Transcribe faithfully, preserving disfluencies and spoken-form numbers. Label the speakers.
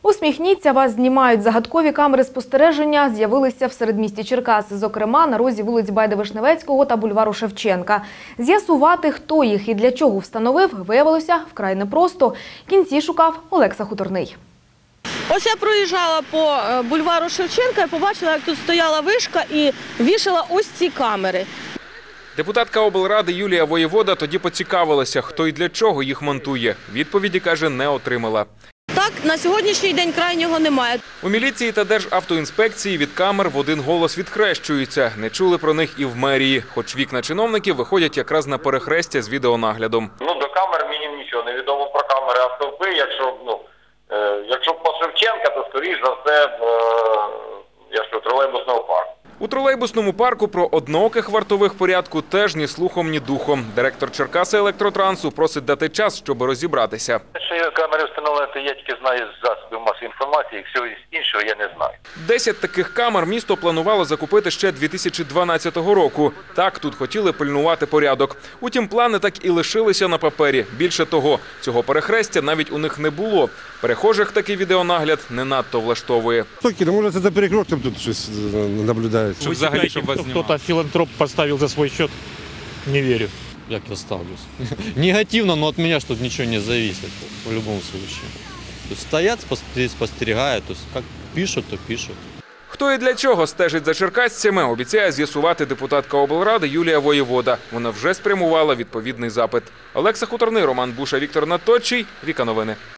Speaker 1: Усміхніться, вас знімають. Загадкові камери спостереження з'явилися в середмісті Черкас, зокрема на розі вулиць Байда-Вишневецького та бульвару Шевченка. З'ясувати, хто їх і для чого встановив, виявилося вкрай непросто. Кінці шукав Олекса Хуторний.
Speaker 2: Ось я проїжджала по бульвару Шевченка і побачила, як тут стояла вишка і вішала ось ці камери.
Speaker 3: Депутатка облради Юлія Воєвода тоді поцікавилася, хто і для чого їх монтує. Відповіді, каже, не отримала.
Speaker 2: Так, на сьогоднішній день крайнього немає.
Speaker 3: У міліції та Державтоінспекції від камер в один голос відхрещуються. Не чули про них і в мерії, хоч вікна чиновників виходять якраз на перехрестя з відеонаглядом.
Speaker 4: Ну, до камер мені нічого не відомо про камери, а стовпи, якщо, ну, е, якщо по Шевченка, то, скоріш за все, е, якщо тролейбусного парку.
Speaker 3: У тролейбусному парку про однооких вартових порядку теж ні слухом, ні духом. Директор Черкаси Електротрансу просить дати час, щоб розібратися.
Speaker 4: Що камери встановлені, я тільки знаю з засобів масової інформації, всього іншого я не знаю.
Speaker 3: Десять таких камер місто планувало закупити ще дві тисячі дванадцятого року. Так, тут хотіли пильнувати порядок. Утім, плани так і лишилися на папері. Більше того, цього перехрестя навіть у них не було. Перехожих такий відеонагляд не надто влаштовує.
Speaker 5: Слухайте, може це за перекрестям тут щось наблюдають.
Speaker 6: Вы считаете, что кто-то филантроп поставил за свой счет? Не верю.
Speaker 7: Як я ставлюсь? Негативно, но от меня что тут ничего не зависит в любом случае. То есть стоят, спостерегают, то есть как пишут, то пишут.
Speaker 3: Хто і для чого стежить за черкасцями, обіцяє з'ясувати депутатка облради Юлія Воєвода. Вона вже спрямувала відповідний запит. Олекса Хуторний, Роман Буша, Віктор Наточий, Віка Новини.